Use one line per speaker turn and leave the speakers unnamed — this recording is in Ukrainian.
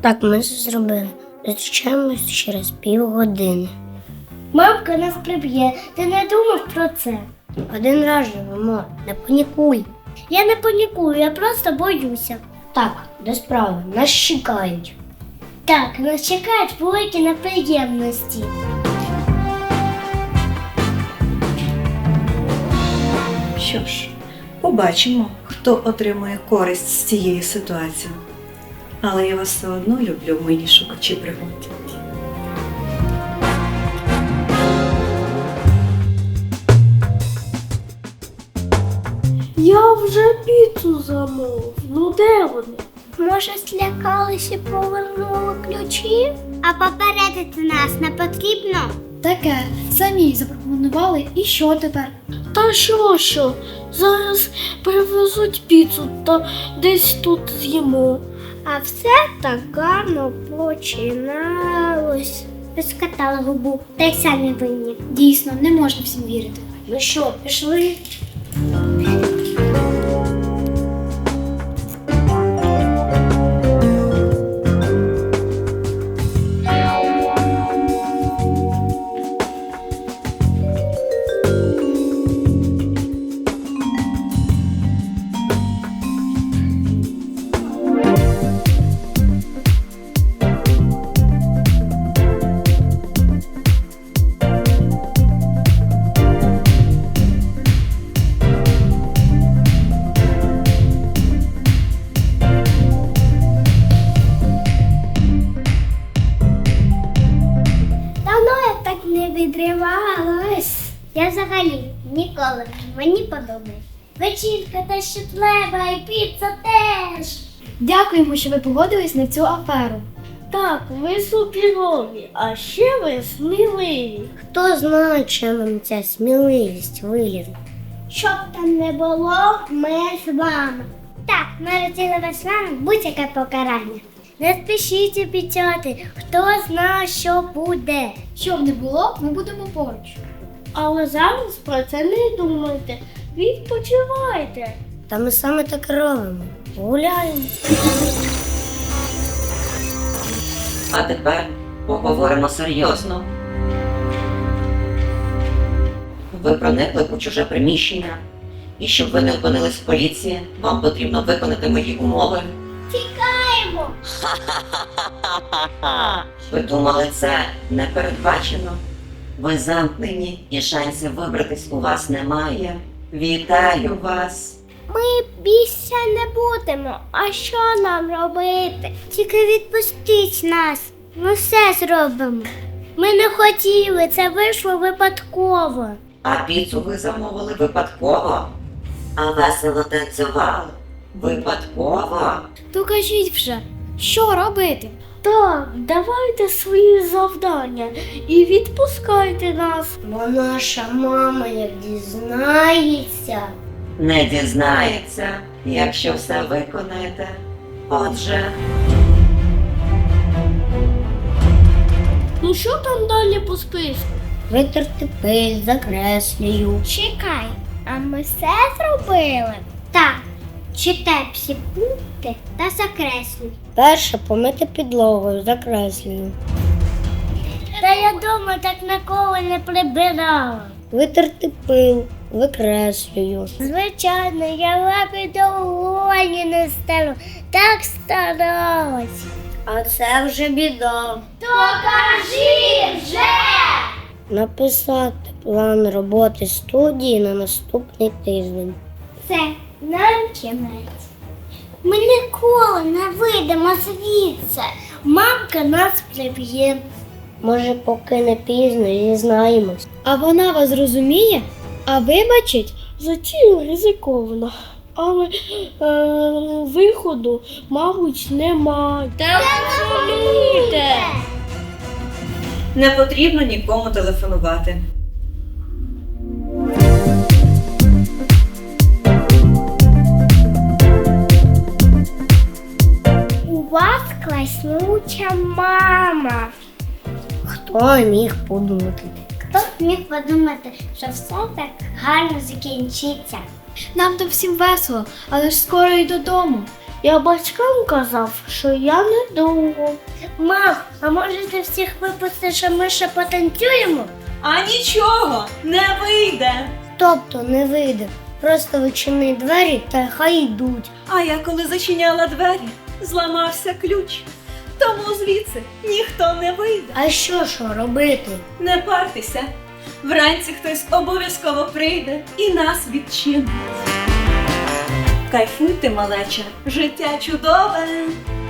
Так, ми це зробили. Зустрічаємось через півгодини.
Мамка нас приб'є. Ти не думав про це?
Один раз живемо, не панікуй.
Я не панікую, я просто боюся.
Так, до справи, нас чекають.
Так, нас чекають великі неприємності.
Що ж, побачимо, хто отримує користь з цієї ситуації. Але я вас все одно люблю, мої шукачі пригод.
Я вже піцу замовив. Ну де вони? Може, злякалися і повернули ключі? А попередити нас не потрібно?
Таке, самі запропонували, і що тепер?
Та що? Зараз привезуть піцу та десь тут з'їмо. А все так гарно починалось. Розкатали губу, та й самі винні.
Дійсно, не можна всім вірити.
Ну що, пішли? Давно я так не відривалась. Я взагалі ніколи. Мені подобається. Вечірка те, що треба, і піца теж.
Дякуємо, що ви погодились на цю аферу.
Так, ви суперові, а ще ви сміливі.
Хто знає, чи нам ця сміливість вилізе?
Щоб там не було, ми з вами. Так, ми розділили з вами будь-яке покарання. Не спішіть обіцяти, хто знає, що буде.
Щоб не було, ми будемо поруч.
Але зараз про це не думайте. Відпочивайте.
Та ми саме так і робимо. Гуляємо.
А тепер поговоримо серйозно. Ви проникли у чуже приміщення, і щоб ви не опинились в поліції, вам потрібно виконати мої умови.
Тікаємо!
Ви думали, це не передбачено? Ви замкнені і шансів вибратись у вас немає. Вітаю вас!
Ми більше не будемо. А що нам робити? Тільки відпустіть нас. Ми все зробимо. Ми не хотіли, це вийшло випадково.
А піцу ви замовили випадково? А весело танцювали? Випадково?
То кажіть вже, що робити?
Так, давайте свої завдання і відпускайте нас.
Бо наша мама як дізнається.
Не дізнається, якщо все виконаєте. Отже,
Ну що там далі по списку?
Витерти пиль, закреслюю.
Чекай, а ми все зробили? Так, читай всі пункти та закреслюй.
Перше помити підлогу, закреслюю.
Та я дома так ніколи не прибирала.
Витерти пил, викреслюю.
Звичайно, я лапи доволі не стану. Так старалась.
А це вже біда.
То кажи вже!
Написати план роботи студії на наступний тиждень.
Це нам кінець. Ми ніколи не вийдемо звідси. Мамка нас приб'є.
Може, поки не пізно, зізнаємось.
А вона вас зрозуміє? А вибачить?
Затію ризиковано. Але виходу, мабуть, немає. Та розумієте!
Не потрібно нікому телефонувати.
У вас класнюча мама.
Хто міг подумати?
Хто б міг подумати, що все так гарно закінчиться?
Нам там всім весело, але ж скоро й додому.
Я батькам казав, що я недовго. Мам, а може ти всіх випустиш, а ми ще потанцюємо?
А нічого, не вийде.
Тобто не вийде. Просто відчини двері та хай йдуть.
А я коли зачиняла двері, зламався ключ. Тому звідси ніхто не вийде.
А що робити?
Не партеся. Вранці хтось обов'язково прийде і нас відчинить. Кайфуйте, малеча, життя чудове.